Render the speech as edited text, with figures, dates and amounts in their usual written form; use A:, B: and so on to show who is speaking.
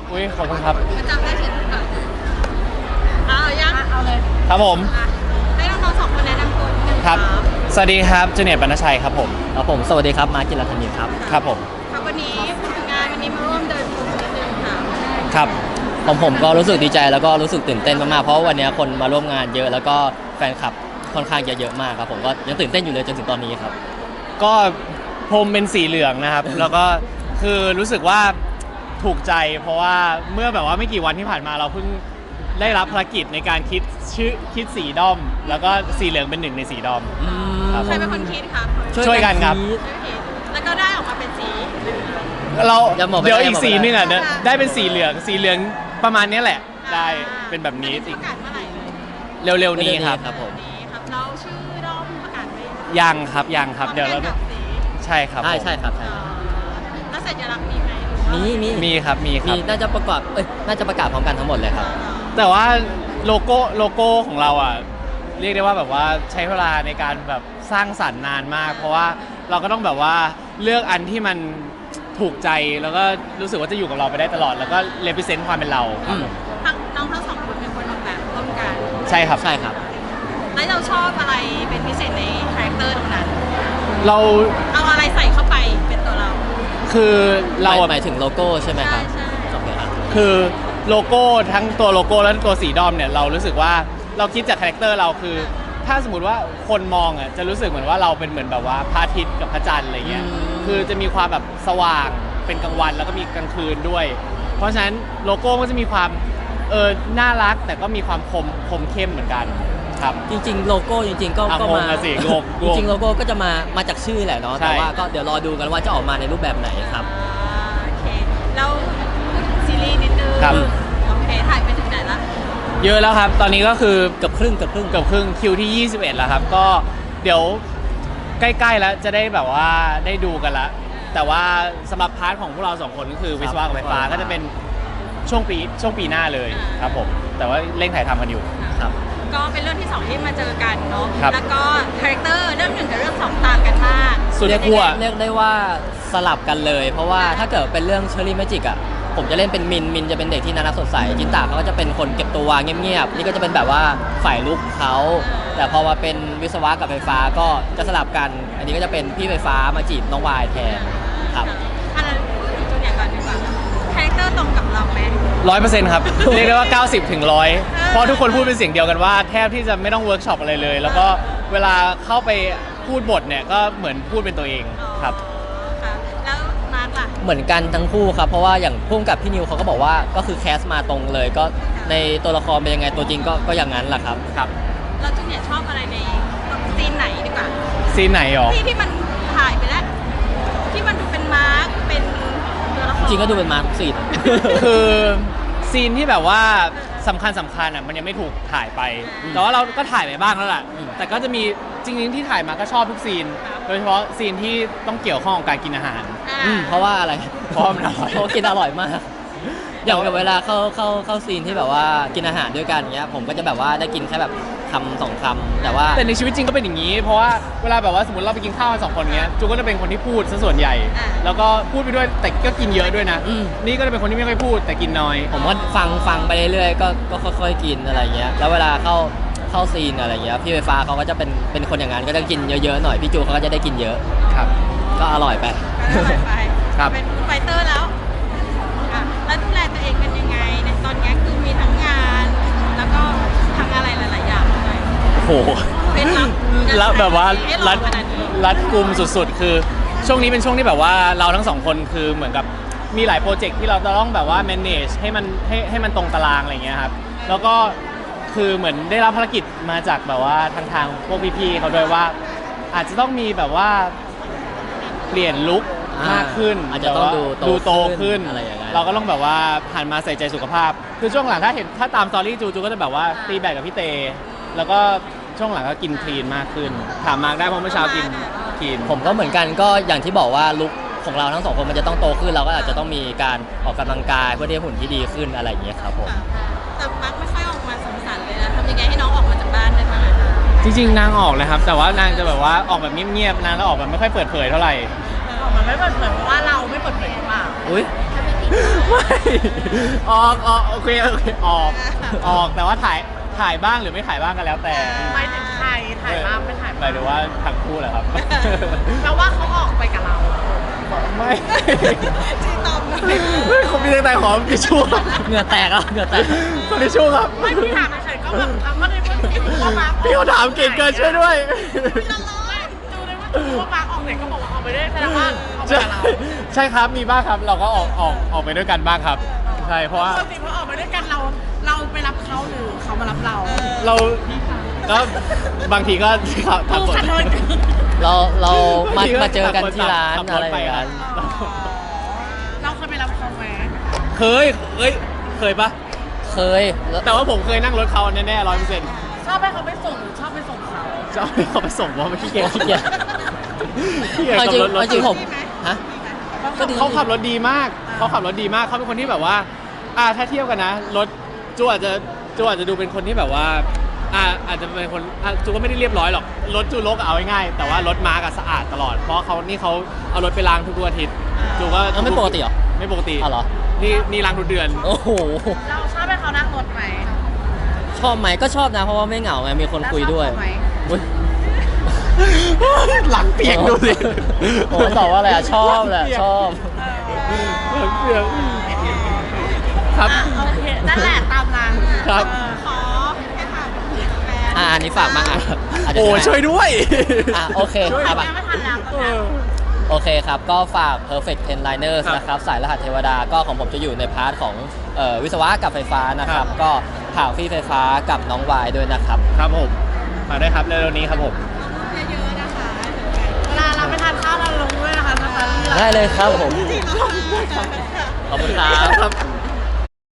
A: อุ้ยขอบคุณครับ
B: จำได้เฉยๆค่ะเอายังเอาเลย
A: ครับผม
B: ให้น้องๆสองคนแนะนำตัวนิดนึง
A: ครับสวัสดีครับจูเนียร์ปณชัยครับผม
C: ครับผมสวัสดีครับมาร์คกิรธนินครับ
A: ครับผม
B: ครับวันนี้พูดถึงงานวันนี้มาร่วมเดินพรมนิดนึงค่ะ
A: ครับ
C: ผมก็รู้สึกดีใจแล้วก็รู้สึกตื่นเต้นมากๆเพราะวันนี้คนมาร่วมงานเยอะแล้วก็แฟนคลับค่อนข้างเยอะมากครับผมก็ยังตื่นเต้นอยู่เลยจนถึงตอนนี้ครับ
A: ก็พรมเป็นสีเหลืองนะครับ แล้วก็คือรู้สึกว่าถูกใจเพราะว่าเมื่อแบบว่าไม่กี่วันที่ผ่านมาเราเพิ่งได้รับภารกิจในการคิดสีด้อม แล้วก็สีเหลืองเป็นหนึ่งในสีด้อม
B: ใครเป็นคนคิดครับ
A: ช่วยกันครับ
B: แล้วก็ได้ออกมาเป็นสี
A: เราเดี๋ยวอีกสีนึงอ่ะได้เป็นสีเหลืองประมาณนี้แหละได้เป็นแบบนี้
B: ประกาศเมื่อไหร่
A: เร็วๆนี้ครับ
B: ผมเราชื่อด้อมประกาศไว้
A: ยังครับเดี๋ยวเราใช่ครับ
C: ใช่ครับ
B: แล้วสัญลักษณ์มีไหม
A: มีครับ
C: น่าจะประกาศพร้อมกันทั้งหมดเลยครับ
A: แต่ว่าโลโก้ของเราอ่ะเรียกได้ว่าแบบว่าใช้เวลาในการแบบสร้างสรรค์นานมากเพราะว่าเราก็ต้องแบบว่าเลือกอันที่มันถูกใจแล้วก็รู้สึกว่าจะอยู่กับเราไปได้ตลอดแล้วก็เรปเซนต์ความเป็นเรา
B: น้องทั้งสองคนเป็นคนออกแบบร่วมกัน
A: ใช่ครับ
B: แล้วเราชอบอะไรเป็นพิเศษในคาแรคเตอร์ตรงนั้น
A: เรา
B: เอาอะไรใส่เข้าไปเป็นตัวเรา
A: คือเรา
C: หมายถึงโลโก้ใช่ไหมครับ
B: ใช่
A: คือโลโก้ทั้งตัวโลโก้และตัวสีดอมเนี่ยเรารู้สึกว่าเราคิดจากคาแรคเตอร์เราคือถ้าสมมติว่าคนมองอ่ะจะรู้สึกเหมือนว่าเราเป็นเหมือนแบบว่าพระอาทิตย์กับพระจันทร์อะไรเงี้ยคือจะมีความแบบสว่างเป็นกลางวันแล้วก็มีกลางคืนด้วยเพราะฉะนั้นโลโก้ก็จะมีความน่ารักแต่ก็มีความคมเข้มเหมือนกันครับ
C: จริงๆโลโก้จริงๆก็มาจริงๆโลโก้ก็จะมาจากชื่อแหละเนาะแต่ว่าก็เดี๋ยวรอดูกันว่าจะออกมาในรูปแบบไหนครับ
B: โอเคเราพูดถึงซีรีส์นิดนึงโอเคถ่ายไปถึงไหนละ
A: เยอะแล้วครับตอนนี้ก็คือ
C: เกือบครึ่ง
A: คิวที่21แล้วครับก็เดี๋ยวใกล้ๆแล้วจะได้แบบว่าได้ดูกันละแต่ว่าสำหรับพาร์ทของพวกเรา2คนก็คือวิศวะกับไฟฟ้าก็จะเป็นช่วงปีหน้าเลยครับผมแต่ว่าเร่งถ่ายทำกันอยู่
C: ครับ
B: ก็เป็นเรื่องที่2ที่มาเจอกันเนาะแล้วก็คาแรคเตอร์เรื่อง1กับเรื่อง2ต่างกันมาก
A: สุดขั้ว
C: เรียกได้ว่าสลับกันเลยเพราะว่าถ้าเกิดเป็นเรื่องเชอรี่แมจิกอ่ะผมจะเล่นเป็นมินจะเป็นเด็กที่น่ารักสดใสจินตาเขาก็จะเป็นคนเก็บตัวเงียบๆนี่ก็จะเป็นแบบว่าฝ่ายลุกเขาแต่พอมาเป็นวิศวะกับไฟฟ้าก็จะสลับกันอันนี้ก็จะเป็นพี่ไฟฟ้ามาจีบน้องวายแทนครับ
B: อันนั้นพูดถึงตัวอย่างก่อนดีกว่าคาแรคเตอร์ตรงกับเราไหม
A: 100%ครับ เรียกได้ว่า90 ถึง 100เพราะทุกคนพูดเป็นเสียงเดียวกันว่าแทบที่จะไม่ต้องเวิร์กช็อปอะไรเลยแล้วก็เวลาเข้าไปพูดบทเนี่ยก็เหมือนพูดเป็นตัวเองครับ
B: แล้วมาร์คล่ะ
C: เหมือนกันทั้งคู่ครับเพราะว่าอย่างพุ่งกับพี่นิวเขาก็บอกว่าก็คือแคสมาตรงเลยก็ในตัวละครเป็นยังไงตัวจริงก็อย่างนั้นแหละครับ
B: เราจูเนียร์ชอบอะไรในซีนไหนดีกว่า
A: ซีนไหนหรอ
B: ที่มันถ่ายไปแล้วที่มันดูเป็นมาร์คเป็นตัวละคร
C: จริงก็ดูเป็นมาร์คซีน
A: คือซีนที่แบบว่าสำคัญอ่ะมันยังไม่ถูกถ่ายไปแต่ว่าเราก็ถ่ายไปบ้างแล้วแหละแต่ก็จะมีจริงๆที่ถ่ายมาก็ชอบทุกซีนโดยเฉพาะซีนที่ต้องเกี่ยวข้องกับการกินอาหาร
C: เพราะว่าอะไร
A: เพราะมันอร่อย
C: เขากินอร่อยมากอย่างเวลาเข้าซีนที่แบบว่ากินอาหารด้วยกันเงี้ยผมก็จะแบบว่าได้กินแค่แบบคำ2 คำแต่
A: ในชีวิตจริงก็เป็นอย่างนี้เพราะว่าเวลาแบบว่าสมมติเราไปกินข้าวกัน2 คนเงี้ยจูก็จะเป็นคนที่พูดซะส่วนใหญ่แล้วก็พูดไปด้วยแต่ก็กินเยอะด้วยนะนี่ก็จะเป็นคนที่ไม่ค่อยพูดแต่กินน้อย
C: ผมก็ฟังไปเรื่อยๆก็ค่อยๆกินอะไรเงี้ยแล้วเวลาเข้าซีนอะไรเงี้ยพี่ไฟฟ้าเขาก็จะเป็นคนอย่างนั้นก็จะกินเยอะๆหน่อยพี่จูเขาก็จะได้กินเยอะ
A: ครับ
C: ก็อร่อยไป
A: ครับ
B: เป็นไฟเตอร์แล้วดูแลตัวเองเป็นยังไงในตอนนี้คือมีทั้งงานแล้วก็ทั้งอะไรหลายๆอย่างเลย
A: โอ้โหแล้วแบบว่ารัดกุมสุดๆคือช่วงนี้เป็นช่วงที่แบบว่าเราทั้ง2 คนคือเหมือนกับมีหลายโปรเจกต์ที่เราจะต้องแบบว่า manage ให้มันตรงตารางอะไรเงี้ยครับแล้วก็คือเหมือนได้รับภารกิจมาจากแบบว่าทางพวกพี่ๆเขาด้วยว่าอาจจะต้องมีแบบว่าเปลี่ยนลุคมากขึ้น
C: อาจจะต้อง
A: ดูโตขึ้น
C: อะไรอย่างเงี้ย
A: เราก็ต้องแบบว่าหันมาใส่ใจสุขภาพคือช่วงหลังถ้าตามสตอรี่จูก็จะแบบว่าตีแบดกับพี่เตแล้วก็ช่วงหลังก็กินคลีนมากขึ้นถามมาได้เพราะเมื่อเช้ากินคลีน
C: ผมก็เหมือนกันก็อย่างที่บอกว่าลุคของเราทั้ง2 คนมันจะต้องโตขึ้นเราก็อาจจะต้องมีการออกกำลังกายเพื่อที่หุ่นที่ดีขึ้นอะไรอย่างเงี้ยครับผม
B: แต่มักไม่ค่อยออกมาสงสารเลยนะทำยังไงให้น้องออกมาจากบ้านได้บ้าง
A: จริงๆนางออกเลยครับแต่ว่านางจะแบบว่าออกแบบเงียบๆนางก็ออกแบบไม่ค่อยเปิดเผยเท่าไหร่
B: ออกมาไม่เปิดเผยเพราะว่าเราไม่เปิดเผยหรือเปล่า
C: อุ้ย
A: ไม่โอเคออกแต่ว่าถ่ายบ้างหรือไม่ถ่ายบ้างก็แล้วแต่
B: หมายถึงใครถ่ายภาพไม่ถ่าย
A: หมายถึงว่าทั้งคู่แหละครับ
B: แปลว่าเขาออกไปกับเรา
A: ไม่
B: ที่ตอบเลย
A: เขามีตั้งแต่ขอทิชชู่
C: เหงื่อแตกอ่ะเหงื่อแตก
A: ขอทิชชู่ครับ
B: ไม่พี่ถามเฉยๆก็แบบก็ได้พูดถึงว่ามาร์ค
A: พี่เขาถามเก่งเกินช่วยด้วย
B: ดูได้ว่ามาร์คออกไหนก็บอกว่าออกไปด้วยแสดงว่าออกไป
A: ใช่
B: กับเรา
A: ใช่ครับมีบ้างครับเราก็ออกไปด้วยกันบ้างครับใช่เพราะว่า
B: ปกติพอออกไปด้วยกันเราไปรับเขาหรือเขามารับเรา
A: เราก็บางทีก็ขับ
B: ผู้
A: รถ
B: ขับรถ
C: เรามา
A: บงทีก็
C: มาเจอกันที่ร้าน
A: ขับ
C: อะไร
A: ไป
C: อย่างเงี้ย
B: เราเคยไปรับเขาไหม
A: เคยปะ
C: เคยแล้ว
A: แต่ว่าผมเคยนั่งรถเขาแน่ๆ100%
B: ชอบให้เขาไปส่งหรือชอบไปส่งเขา
A: จะเอาให้เขาไปส่งเพราะไม่ขี้เกียจ
C: ขี้เกียจ
A: ขี้เกียจ
C: เอา
A: ขั
C: จริง
A: บรถ
C: เอาจริงผมฮะ ก็ดี
A: เขาขับรถดีมากเขาขับรถดีมากเขาเป็นคนที่แบบว่าถ้าเทียบกันนะรถจูอาจจะดูเป็นคนที่แบบว่าอาจจะเป็นคนจูก็ไม่ได้เรียบร้อยหรอกรถจูรกเอาง่ายๆแต่ว่ารถมาร์กสะอาดตลอดเพราะเขาเอารถไปล้างทุกอาทิตย์จูก็
C: เอาไม่ปกติเหรอ
A: ไม่ปกติ
C: อ๋อเหรอ
A: นี่ล้างทุกเดือน
C: โอ้โห
B: เราชอบให้เขานั่งรถไหม
C: ชอบไหมก็ชอบนะ เพราะว่าไม่เหงาไงมีคนคุยด้วย
B: แล้วชอบเขาไหม
C: อุ๊ย
A: หลังเปียกดูสิ
C: โอ้ตอบว่าอะไรอ่ะชอบแหละชอบ
A: หลังเปียกครับ
B: โอเคนั่นแหละตามนั้น
A: ครับ
B: ขอให้ถามแฟน
C: อันนี้ฝากมาอ่ะอาจจะ
A: โอ้
C: ใช่
A: ช่วยด้วย
C: โอเค
A: ช่วย
C: ครับ
B: ยังไม่ทันแล้ว
A: เออ
C: โอเคครับ ก็ฝาก Perfect 10 Liners
A: ครับ
C: นะครับ สายรหัสเทวดา ก็ของผมจะอยู่ในพาร์ทของวิศวะกับไฟฟ้านะครับ
A: ครับ
C: ก็ผ่าฟี่ไฟฟ้ากับน้องวายด้วยนะครับ
A: ครับผมมาได้ครับเร็วๆนี้ครับผม
B: เยอะๆนะคะเวลาเราไปทานข้าวเราลงด้วยนะคะสตอรี่
C: ได้เลยครับผม
B: จริงเหรอ